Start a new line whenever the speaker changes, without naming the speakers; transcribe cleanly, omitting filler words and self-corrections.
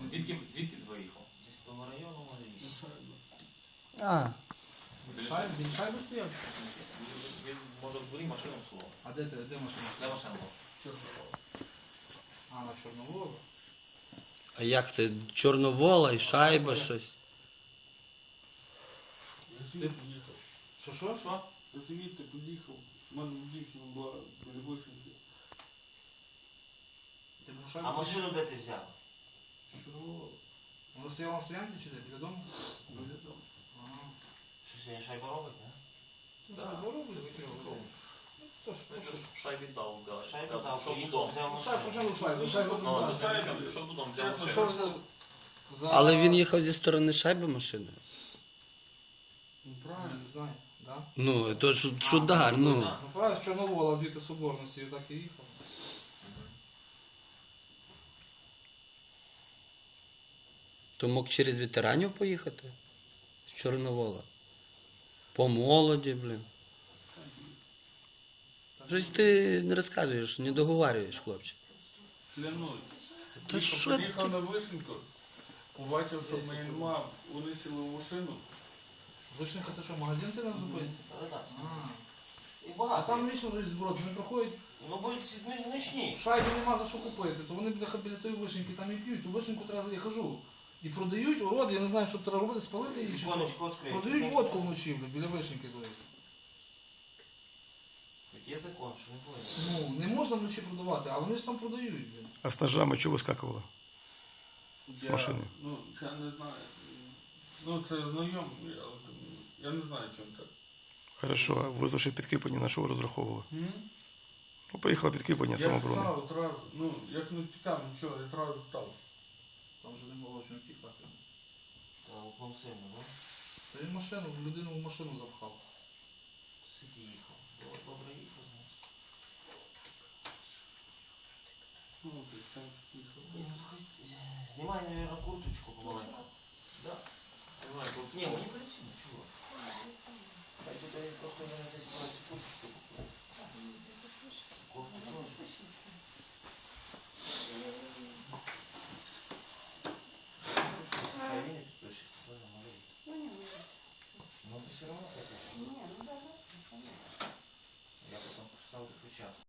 Звідки ти виїхав?
Десь з того району може їсти.
А,
Він шайбу стояв?
Він може в дворі машину сховав.
А де машина?
Де машина була?
Чорновола. А, на Чорноволу?
а як ти? Чорновола і шайба щось.
Я звідти поїхав.
Що?
Я звідти поїхав. У мене дівчина була перевишенька.
Ти був шайбу?
А машину де ти взяв?
Чорновола.
Вона стояла на стоянці чи де? Біля дому?
Біля дому.
Ага.
Що сьогодні шайба робить, не?
Так, робили, викинули. Ну,
Шайбі дав, да.
Шайбу дав,
Що
поїхав,
будом?
взяв
Шайбу,
машину.
шайбу
Ну,
туди.
що будом взяв
Що
машину?
за...
Але він їхав зі сторони шайби машиною.
Ну, правильно, не знаю. Да?
Ну, то ж удар, ну.
Ну, правильно, з Чорновола, звідти Соборності, так і їхав.
То мог через ветеранів поїхати? З Чорновола. По молоді, блін. Щось ти не розказуєш, не договарюєш, хлопче.
Клянусь.
Та що ти?
Приїхав на Вишеньку, побачив, що моя мама, вони сіли в машину.
Вишенька, це що, магазин це на зупинці?
Так.
А.
І
А
багато.
там вічно зброд, вони приходять,
Ну будуть нічні.
шайби нема за що купити, то вони біля тої вишеньки там і п'ють, ту вишеньку треба, я кажу, і продають, урод, я не знаю, що треба робити, спалити її чи що.
Віконечко відкрити.
Продають водку вночі, біля вишеньки тої.
Є закон, що не буде.
Ну, не можна вночі продавати, а вони ж там продають. Блін.
А с ножами что выскакивало?
Я,
машини.
Ну, я не знаю. Ну, це знайомий, але я не знаю, чим так.
Хорошо, а визвавши підкріплення, на що ви розраховували? Ну, приїхало підкріплення
Я ж
самооборони.
став одразу, ну, я ж не тікав нічого, я одразу став.
Там вже не було чим тікати.
Та уклон сильно, да?
Та він машину, людину в машину запхав.
Скільки їхав? Добре їхав, знаєш.
Ну, ти там їхав.
Ні, ну, знімай, мабуть, курточку помаленьку. Да?
Не знаю,
Ні, мені працює.